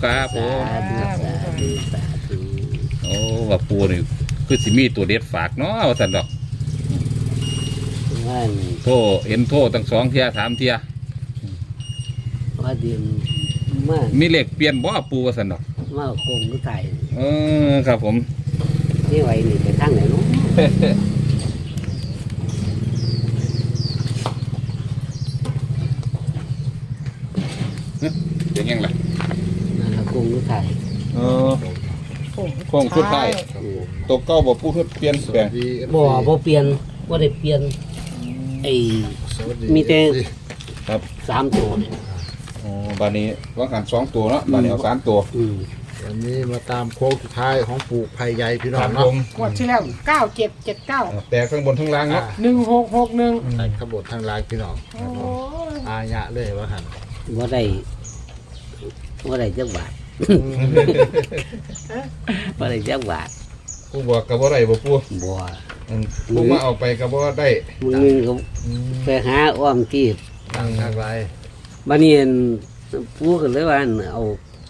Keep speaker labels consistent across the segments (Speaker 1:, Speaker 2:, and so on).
Speaker 1: ครับผม
Speaker 2: สาธุสาธุ
Speaker 1: โอ้ว่าปูนี่คือสิมีตัวเด็ดฝากเนาะว่าซั่นดอก
Speaker 2: ว่า
Speaker 1: โทรเห็นโทรตั้ง2 เที่ย3 เที่ย
Speaker 2: ว่าเดียนมา
Speaker 1: มีเลขเปลี่ยนบ่ปูว่าซั่นดอก
Speaker 2: มาโคงก็ไก่
Speaker 1: ครับผม
Speaker 2: นี่ไว้นี่ไปทางไหนเนาะ
Speaker 1: เป็นยังไง
Speaker 2: นั่นละโคงก็ไก่
Speaker 1: โค้งสุดท้ายตัวเก้าบ่ปูเปลี่ยนแปลง
Speaker 2: บ่เปลี่ยนบ่ได้เปลี่ยนไอ้มีแต่
Speaker 1: ครับ
Speaker 2: 3ตัวเนี่ย
Speaker 1: บานนี้ว่ากัน2 ตัวเนาะบานนี้เอา3 ตัว
Speaker 3: วันนี้มาตามโค้งสุดท้ายของปู่ไผ่ใหญ่พี่น้อ
Speaker 1: ครั
Speaker 3: ง
Speaker 1: บผ
Speaker 3: เนาะ
Speaker 1: ม
Speaker 4: งวดที่แล้ว9779
Speaker 1: แต่ข้างบนข้างล่างเนาะ
Speaker 4: 1661
Speaker 3: ใส่ขบวนทางลายพี่น้อง
Speaker 4: โอ้ย
Speaker 3: อาญะเลยว่าหัน
Speaker 2: บ่ได้จักบาทบ่ได้จักบาท
Speaker 1: ปูบอกกับว่าไรบ่ปู
Speaker 2: บ่
Speaker 1: ปูมาเอาไปกับว่าได้
Speaker 2: มึงนึงก็ไปหาอ้อมที่
Speaker 3: ทางลาย
Speaker 2: บัดนี้อั่นปู่ก็เลยว่าอั่นเอา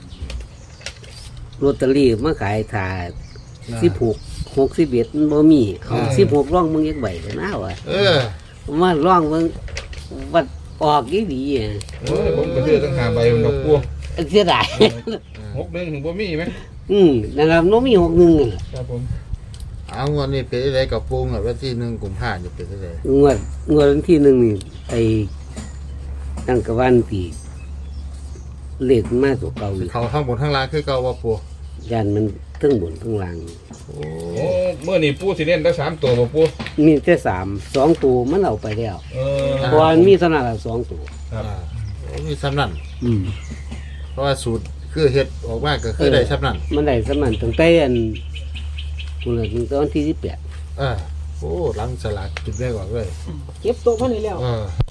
Speaker 2: ลอตเตอรี่มาขายถ่า16 61มันบ่มีเอา16ร่องมึงจักใบก็น่าว่ะ มาร่องมึงวัดออกดีๆอ่ะ
Speaker 1: ผมก็ซื้อตั้ง5 ใบดอกปู
Speaker 2: เสียดาย
Speaker 1: 61ถึงบ่มีไหม
Speaker 2: นั่นล่ะน้องมี61นั่นล่ะ
Speaker 1: ครับผม
Speaker 3: เอางวดนี้เป็นอะไรกับปูงอ่ะวันที่1 กุมภาพันธ์จะเป็นอะไร
Speaker 2: งวดวันที่หนึ่งนี่ไอ้ตั้งกะวันปีเลขมาตัวเก่าอีก
Speaker 3: เขาทั้งบนทั้งลายคือเก่าว่าปู
Speaker 2: ยันมันทั้งบนทั้งล่าง
Speaker 3: โอ้
Speaker 1: โอ้เมื่อนี่ปูสิเล่นได้3 ตัวบ่ปู
Speaker 2: มีแต่2ตัวมันเอาไปแล้ว เพราะว่ามันมีขนาด2ตัว
Speaker 1: ครับ
Speaker 3: มีซ้ำนั่น
Speaker 2: อืม
Speaker 3: เพราะว่าสูตรคือเฮ็ดออกมาก็คือได้ซ้ำนั่น
Speaker 2: มันได้สมันตั้งแต่อันคุณเลยตั้งแต่วันที่18
Speaker 3: โอ้หลังสลากจุดแรกออกเลย
Speaker 4: เก็บตัวเพิ่นนี่แล้ว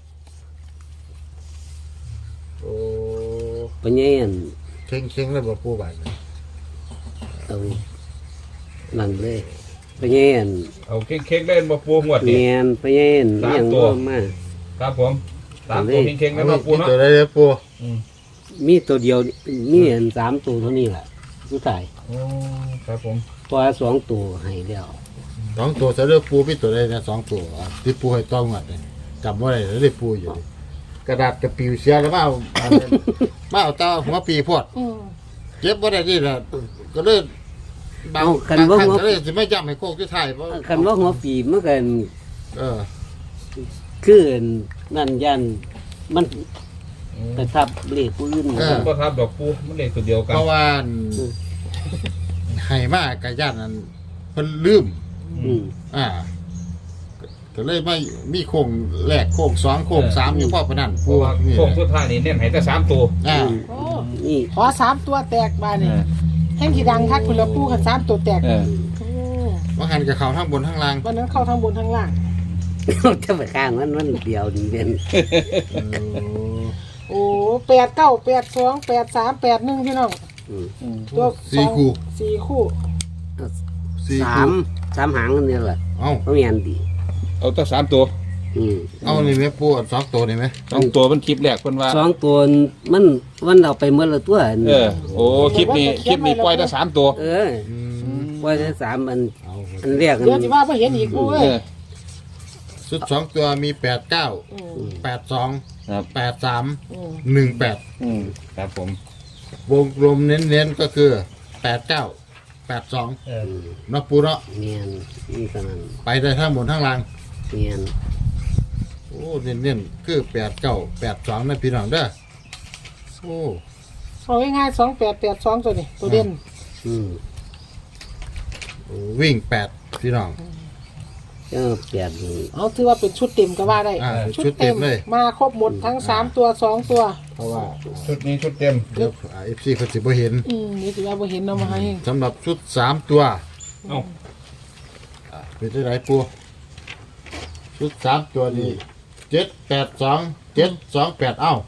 Speaker 3: โอ้
Speaker 2: ปัญญาอัน
Speaker 3: เข่งๆเลยบ่ปูบาด
Speaker 2: เอานั่นเลยปัญญาอัน
Speaker 1: เอาเค้กๆเล่นบ่ปูงวด
Speaker 2: แม
Speaker 1: นี้
Speaker 2: นปัญญาอัน
Speaker 1: สาม
Speaker 2: อย่าง
Speaker 1: ตัว
Speaker 2: ว่ามา
Speaker 1: ครับผม3 ตัวเค้กๆแล้วเนาะปูเนาะ
Speaker 3: ตัวได้เลยปู
Speaker 2: มีตัวเดียวมีอัน3ตัวเท่านี้แหละสุดท้าย
Speaker 1: โอ้ครับผม
Speaker 2: เพราะว่า2ตัวให้แล้ว
Speaker 3: 2 ตัวเสด็จปูพี่ตัวได้นะ2 ตัวที่ปูให้ต้องหมดเลยจำว่าอะไรแล้วได้ปูอยู่ดิกระดาษกระปิวเสียแล้วมาเอาตาหัวปีพวดเก็บว่าได้ที่ละก็เลยบางครั้งก็เลยจะไม่จำให้โคกที่ไทยเพราะ
Speaker 2: คันว่าหัวปีมันก็
Speaker 3: เออ
Speaker 2: คือนั่นยันมันไปทับเลขผู้อื่น
Speaker 1: ผมก็ทับดอกปูมันเลขตัวเดียวกัน
Speaker 3: เพราะว่าให้มากกะย่านนั้นเพิ่นลืม
Speaker 2: อืม
Speaker 3: ก็เลยไม่มีโค้งแรกโค้ง2โค้ง3อยู่พ่อพนัน
Speaker 1: เพราะว่าโค้งสุดท้ายนี่เน้นให้แต่3 ตัว
Speaker 4: โอ้
Speaker 2: นี่
Speaker 4: ขอ3ตัวแตกบาดนี่แห่งที่ดังคักพุ่นละปูคัน3ตัวแตกโอ้
Speaker 3: ว่าหันกับเขาทั้งบนทั้งล่าง
Speaker 4: วันนั้นเข้าทางบนทางล่าง
Speaker 2: จะไปข้างมันเดียวดีเป็น
Speaker 4: โอ้89 82 83 81พี่น้องตัว
Speaker 3: 4 คู่
Speaker 4: 4คู่
Speaker 3: 4
Speaker 2: สา
Speaker 3: คู่
Speaker 2: มหางนี่แหละ
Speaker 3: เอ้า
Speaker 2: เขามีอันดี
Speaker 1: เอาแต่3 ตัว
Speaker 3: เอานี่แม่ปู2 ตัวนี่ไหม
Speaker 1: 2 ตัวมันคลิปแรกเพิ่นว่า
Speaker 2: 2ตัวมันเอาไปเมื่อละตัว
Speaker 1: โอ้คลิปนี้ปล่อยแต่3 ตัว
Speaker 2: ว่าจะ3อัน
Speaker 3: เอา
Speaker 2: อันแรก
Speaker 4: เดี๋ยวสิว่าบ่เห็นอีกปูเอ้ย
Speaker 3: ชุด2 ตัวมี 89 82
Speaker 1: ครับ
Speaker 3: 83 18
Speaker 1: ครับผม
Speaker 3: วงกลมเน้นๆก็คือ 89 82นับปูเนาะ
Speaker 2: เนียนนี่ขนาด
Speaker 3: ไปได้ทั้งบนทั้งล่าง
Speaker 2: เนียน
Speaker 3: โอ้เน้นๆคือ89 82นะพี่น้องเด้อโอ้
Speaker 4: เอาง่ายๆ2882ตัวนี้ตัวเด่น
Speaker 3: วิ่ง8พี่น้อง
Speaker 2: เจ้าเปลี่ยน
Speaker 4: เอาถือว่าเป็นชุดเต็มก็ว่าได้
Speaker 3: ชุดเต็มเลย
Speaker 4: มาครบหมดทั้ง3ตัว2ตัว
Speaker 3: เพราะว่า
Speaker 1: ชุดนี้ชุดเต็ม
Speaker 3: เดี๋ยวFC เขาสิบ่เห็น
Speaker 4: นี่ถือว่าบ่เห็นเอามาให้
Speaker 3: สำหรับชุด3ตัว
Speaker 1: เอ้า
Speaker 3: เป็นได้ไรปูชุด3ตัวนี้782 728เอ้า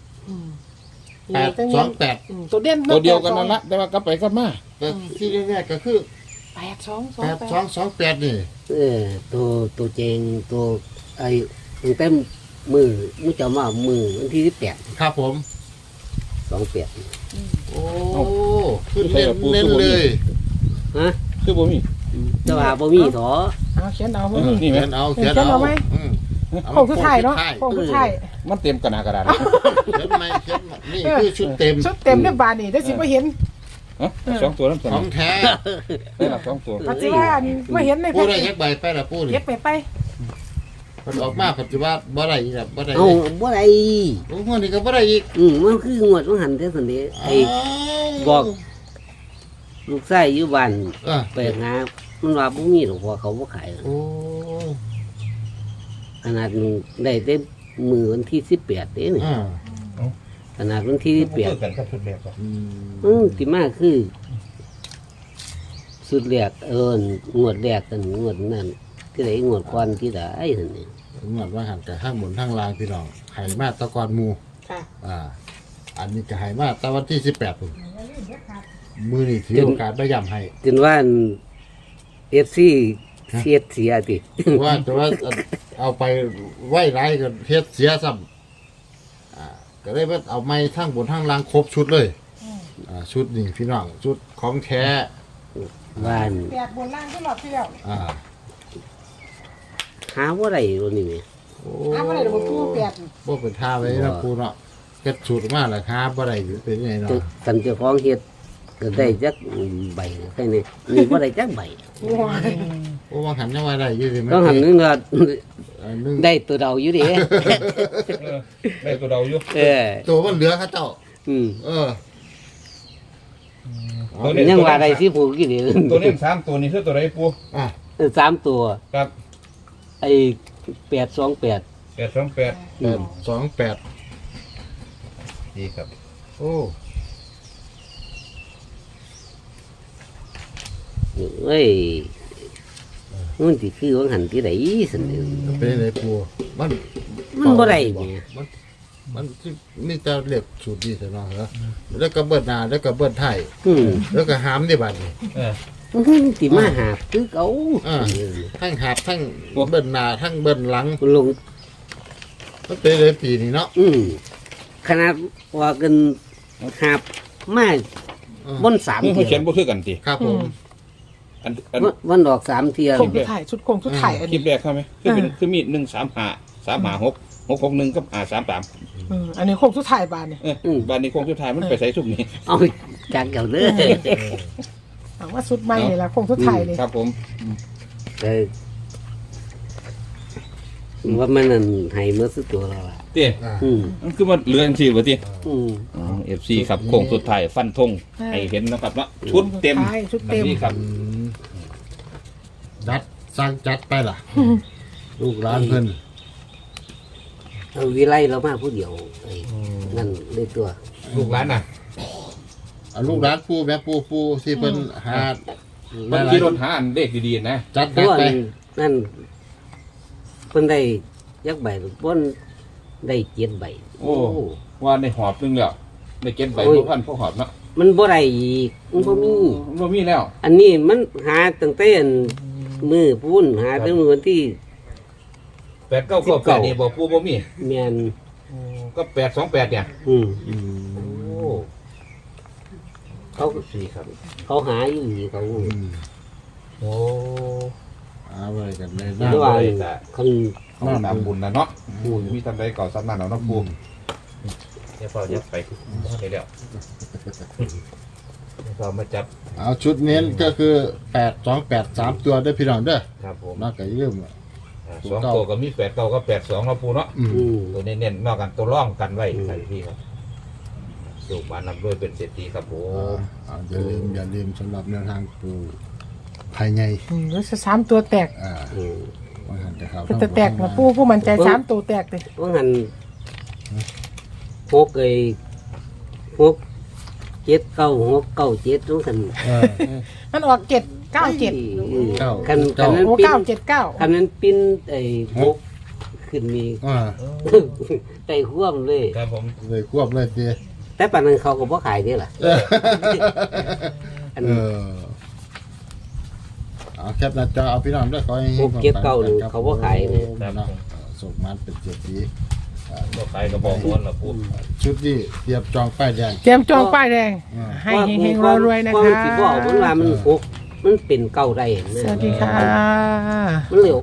Speaker 3: 828
Speaker 4: ตัวเด่น
Speaker 1: ตัวเดียวกันนั่นละแต่ว่ากลับไปกลับมา
Speaker 3: แต่ที่แรกๆก็คือ
Speaker 4: 8228
Speaker 3: 8228นี่
Speaker 2: ตัวเจงตัวไอ้ตั้งแต่มือจะมามือวันที่18
Speaker 3: ครับผม
Speaker 2: 28
Speaker 3: โอ้
Speaker 1: เอา
Speaker 3: ขึ้นเน้นเลย
Speaker 2: ฮะ
Speaker 1: คือบ่มี
Speaker 2: แต่ว่าบ่มีถอ
Speaker 4: เอาเขียนเอาบ่มี
Speaker 1: นี่ไหม
Speaker 3: เขียนเอา
Speaker 4: โค้งสุดท้ายเนาะโค้งสุดท้าย
Speaker 1: มันเต็มกระดาษ
Speaker 3: เขียนไหมเขียนนี่คือชุดเต็ม
Speaker 4: ชุดเต็มเนี่ยบานนี่ได้สิบ่เห็น
Speaker 1: ฮะสองตัวนั่นส
Speaker 3: ข
Speaker 1: อ
Speaker 3: อง งแท้
Speaker 1: ได้หลักสองตัว
Speaker 4: ปัจจุบันไม่เห็นใน
Speaker 3: ปู
Speaker 4: แพ็ค
Speaker 3: ได้ยักใบไปละปูนี่
Speaker 4: เก็บไป
Speaker 3: มันออกมาปัจจุบันบ่ได้อีกแล้วบ่ได้
Speaker 2: เอาบ่ได้
Speaker 3: โอ้โหนี่ก็บ่ได้อีก
Speaker 2: มันคืองวดของหันแต่ซั่นเด้ไอ้บอกลูกชายอยู่บ้าน
Speaker 3: อ่ะ
Speaker 2: ไปหามันว่าบ่มีหรอกเพราะเขาบ่ขาย
Speaker 3: โอ้
Speaker 2: ขนาดได้แต่มือวันที่18เด้นี่
Speaker 3: อ่า
Speaker 2: ขนาดวันที่
Speaker 1: กันกับชุดแบบ
Speaker 2: ที่มาคือสุดแรกงวดแรกกันงวดนั้นที่ไหนงวดก่อนที่ไหนหั่นนี่
Speaker 3: งวดว่าหันกับข้างบนข้างล่างพี่น้องไหมาตะกอนหมู
Speaker 4: ๆค่ะ
Speaker 3: อันนี้ก็ไหมาตะวันที่18พุ่นมือนี่ถือโอกาสได้ย้ำให้
Speaker 2: จนว่าFC เสียติ
Speaker 3: ว่าแต่ว่าเอาไปไหว้ไรก็เฮ็ดเสียซ้ำก็เลยว่าเอาไม้ทั้งบนทั้งล่างครบชุดเลยชุดนี่พี่น้องชุดของแท้
Speaker 2: บ้าน
Speaker 4: แปดบนล่างก็หลอดที่แล้ว
Speaker 2: หาบ่ได้ตัวนี้แหม
Speaker 3: โอ้
Speaker 4: อ้าวอะไรเดี๋ยวมันพูดแปด
Speaker 3: บ่เป็นท่าไว้นะครูเนาะเฮ็ดสูตรมาแล้วครับบ่ได้อยู่เป็นยังไงเนาะ
Speaker 2: กันเจ้าของเฮ็ดก็ได้จักใบแค่นี้นี่บ่ได้จักใบ
Speaker 4: ว้าย
Speaker 3: โอ้ว่าหันยังว่าได้อยู่สิ
Speaker 2: ต้องหันนึงก็
Speaker 3: นึง
Speaker 2: ได้ตัวเดาอยู่เด้
Speaker 1: ได้ตัวเดาอยู่
Speaker 3: ตัวมันเหลือเขาเจ้า
Speaker 2: อืม
Speaker 3: เออ
Speaker 2: ยังว่าได้สิผูกอยู่เด้
Speaker 1: ตัวนี้สามตัวนี้คือตัวไหนปู
Speaker 3: อ่ะ
Speaker 2: 3ตัว
Speaker 1: ครับ
Speaker 2: ไอ้828
Speaker 1: 828
Speaker 3: 828
Speaker 1: ดีครับ
Speaker 3: โอ้
Speaker 2: เอ้ยมันสิคือว่าหันที่ไหนซั่นเด้อ
Speaker 3: เป็นยังไงปูมัน
Speaker 2: มันบ่ได้แหม
Speaker 3: มันที่นี่จะเรียกสูตรดีแต่เนาะเหรอแล้วก็เบิ้ลหน้าแล้วก็เบิ้ลไทย
Speaker 2: อืม
Speaker 3: แล้วก็หามได้บัดนี้
Speaker 2: มันสิมาหาคือเขา
Speaker 3: ทั้งหาบทั้งเบิ้ลหน้าทั้งเบิ้ลหลัง
Speaker 2: ลง
Speaker 3: มันเป็นเลยปีนี้เนาะ
Speaker 2: ขนาดว่ากันหาบมาบน3
Speaker 1: นี่เขา
Speaker 2: เที่
Speaker 1: เขีย
Speaker 2: ย
Speaker 1: นบ่คือกันติ
Speaker 3: ครับผม
Speaker 1: อัน
Speaker 2: วันดอก3เที่ย
Speaker 4: โค้งสุดท้ายชุดโค้งสุดท้ายอัน
Speaker 1: คลิ
Speaker 4: นี้
Speaker 1: ปแรกใช่ไหมคือมี135 กับ533
Speaker 4: อันนี้โค้งสุดท้ายบานเนี่ย
Speaker 1: บ้านนี้โค้งสุดท้ายมันไปใส่สุกนี่
Speaker 2: เอาจากเก่าเด้อ
Speaker 4: เอาว่าสุดใหม่นี่ละโค้งสุดท้ายนี่
Speaker 1: ครับผม
Speaker 2: เออว่ามันนั่นให้เมื่อสุดตัวแล้วล่ะ
Speaker 1: เตี้ย มันคือมันเรื่องสิบ่ติ
Speaker 2: อืม
Speaker 1: FC ครับโค้งสุดท้ายฟันธงให้เห็นนะครับเนาะชุดเต็ม
Speaker 4: ใช่ชุดเต็ม
Speaker 1: นี่ครับ
Speaker 3: จัดสร้างจัดไปล่ะ ลูกร้านเพิ่น
Speaker 2: เอาวิไลเรามาผู้เดียวไอ้นั่นเลยตัว
Speaker 1: ลูกหลานน่ะ
Speaker 3: ลูกร้านปูแม่ปูที่เพิ่นหา
Speaker 1: มันขี่รถหาอันเลขดีๆนะ
Speaker 3: จัด
Speaker 2: เพราะว่า
Speaker 3: ไป
Speaker 2: นั่นเพิ่นได้ยักใบเพิ่นได้7ใบ
Speaker 1: โอ้ว่าในหอบนึงแล้วในเก็บใบบ่พันพวกหอบเนาะ
Speaker 2: มันบ่ได้อีกมันบ่มี
Speaker 1: บ่มีแล้ว
Speaker 2: อันนี้มันหาตั้งแต่อันมือพูนหาตั้งมือวันที่
Speaker 1: 898นี่บ่ปูบ่มี
Speaker 2: แม่น
Speaker 1: ก็828เนี่ย
Speaker 2: อืม
Speaker 1: โอ้
Speaker 2: เขา
Speaker 1: สี่ครับ
Speaker 2: เขาหาอยู่นี่เขา
Speaker 1: โอ้
Speaker 3: เอาไว้กันเลย
Speaker 2: เพ
Speaker 3: นะ
Speaker 2: ราะว่าคัน
Speaker 1: ต้องตามบุญนะเนาะมีทำได้ก่อสำนักเอาเนาะปูเดี๋ยวพอจะไปได้แล้วพอมาจับ
Speaker 3: เอาชุดเน้นก็คือ828 3ตัวได้อพี่น้องเด้อ
Speaker 1: ครับผม
Speaker 3: นอกจากลืม
Speaker 1: สองตัวก็มี8 9กับ8 2เนาะปูเนาะ
Speaker 2: อืม
Speaker 1: ตัวเน้นๆนอกกันตัวร่องกันไว้ใส่พี่ครับสูบมานำด้วยเป็นเศรษฐีครับผม
Speaker 3: อย่าลืมสำหรับแนวทางปูภายใน
Speaker 4: แล้วจะ3ตัวแตก
Speaker 2: อืม
Speaker 3: ว่าหันจะเข้า
Speaker 4: เป็นตัวแตกนะผู้มันใจ3ตัวแตกเลย
Speaker 2: ว่าหันพกไอ้พก7 9 6 9 7ทุกคัน
Speaker 4: มันออก797
Speaker 2: คันนั้น
Speaker 4: โอ้
Speaker 2: ปิ้น
Speaker 4: 979
Speaker 2: คันนั้นปิ้นไอ้พกขึ้นมี ไต่ควมเลย
Speaker 1: ครับผม
Speaker 3: เลยควบเลยที
Speaker 2: แต่ปานนั้นเขาก็บ่ขายเด้ล่ะ อัน
Speaker 3: เอาแคปหน้าจอเอาพี่น้องด้วยขอให้
Speaker 2: พวกเก็บเก่าหนึ่งเขาบ่ขายเลย
Speaker 3: เนาะส่งมันเป็นเจ็ดปี
Speaker 1: ก็ขายกระบอกร้อนละปู
Speaker 3: ชุดนี้เตรียมจองป้ายแดง
Speaker 4: เตรียมจองป้ายแดง ให้เฮงๆรวยๆนะ
Speaker 2: เพรา
Speaker 4: คะ
Speaker 2: มันสิบ่เอามันว่ามันหกมันเป็นเก่าได้นะ
Speaker 4: สวัสดีค่ะ
Speaker 2: มันเร็ว